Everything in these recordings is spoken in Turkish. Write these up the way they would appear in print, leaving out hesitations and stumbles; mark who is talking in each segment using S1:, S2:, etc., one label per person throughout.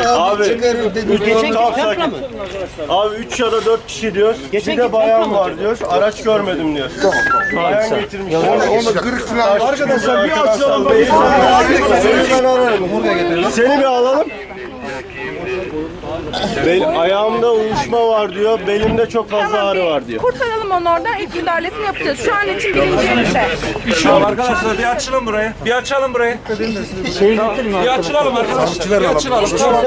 S1: Abi
S2: Geçen
S1: tam
S2: gün
S1: sakin. Abi 3 ya da 4 kişi diyor. Bir de bayan var diyor. Araç görmedim diyor. Bayan getirmiş.
S3: Onda kırık falan.
S1: Arkadaşlar bir açalım. Seni ben ararım. Seni bir alalım. Ayağımda uyuşma var diyor. Belimde çok fazla ağrı var diyor.
S4: Kurtaralım onu oradan. İlk müdahalesini yapacağız. Şu an için birinci yerinde.
S5: Tamam arkadaşlar bir açalım burayı. Bir açalım burayı. Bir açılalım arkadaşlar. Bir açılalım.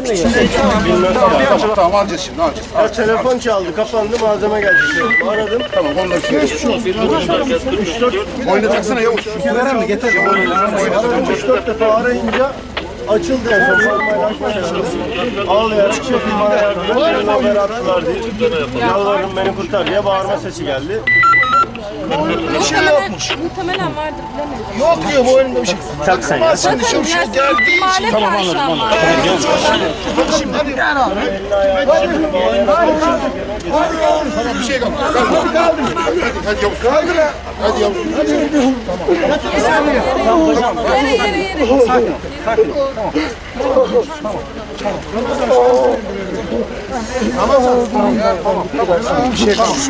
S3: Tamam alacağız şimdi alacağız.
S1: Ya telefon çaldı, kapandı, malzeme geldi. Aradım.
S3: Tamam ondan sonra. Oynatacaksana Yavuz. Süper mi? Getir.
S1: 3-4 defa arayınca açıldı en son. Formayla açmadı. Ağlayarak şefim bana yardım et. Beni haber attılar diye. Yalvarırım beni kurtar diye bağırma sesi geldi.
S4: Bir şey yokmuş. Muhtemelen vardır. Bilemedim.
S3: Yok diyor bu önünde bir şey.
S1: Tak sen ya.
S3: Şimdi şu geldiği için.
S4: Tamam anladım.
S3: Şimdi hadi. Bir şey kalmadı. Hadi Yavuz. Hadi Yavuz.
S4: Yere.
S3: Sakin. Tamam. Bir şey kalmadı.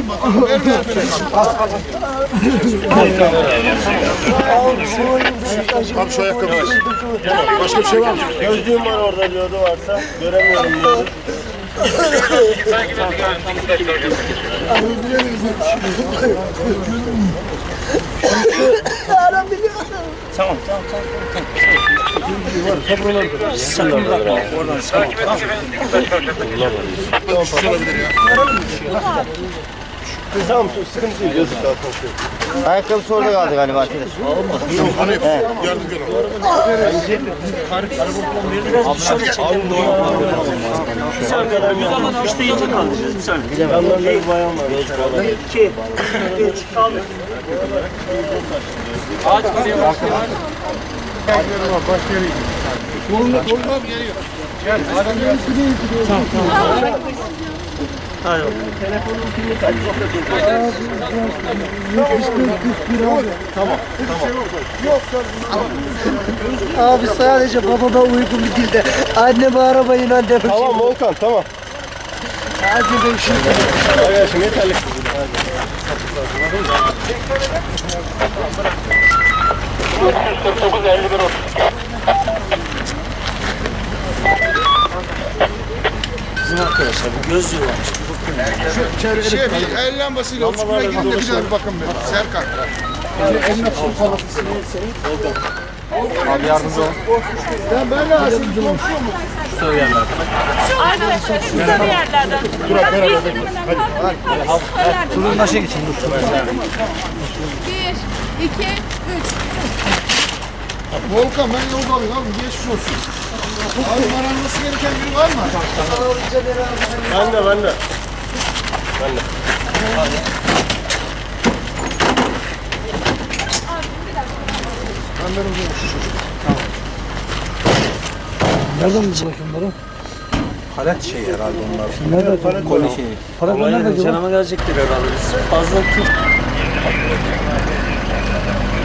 S3: Abi şu ayakkabı. Başka bir şey var mı?
S1: Gözlüğüm var orada diyordu, varsa göremiyorum diyordu.
S2: Tamam. Sakın bırakma. Oradan sakın.
S1: Tamam, sıkıntı değil. Yazık zaten.
S6: Ayakkabısı orada kaldı galiba arkadaş.
S3: Hani yardımcı olalım.
S2: İşte yılda kaldıracağız. Bir saniye.
S1: Yanlarında bir bayan var.
S2: 2, 3, kaldır. Ağaç buraya bak.
S3: Koluna bir yeri yok. Gel.
S2: Tamam. Hadi bakalım.
S1: Telefonun pilini kaç?
S6: Abi sadece babama uygun bir dilde. Anneme arabayın anneme.
S1: Tamam Volkan, tamam.
S6: Hadi be şimdi.
S1: Arkadaşım yeterli.
S2: Bizim arkadaşlar bir gözlüğü varmış.
S3: Bir el lambasıyla uçmaya gidin de bir daha bir bakın be. Serkan.
S6: Abi yardımcı ol.
S3: Ben lazım.
S4: Arkadaşlar kısa bir yerlerden. Hadi.
S6: Durun başa geçin.
S4: 1, 2, 3.
S3: Volkan ben yolda alayım abi. Geçmiş olsun. Abi aranması gereken biri var mı?
S1: Ben de.
S6: Nereden bulacak bunları?
S5: Palet şey herhalde onlar.
S6: Nerede?
S5: Koli şeyi.
S6: Para nerede?
S2: Canıma gelecektir herhalde. Fazla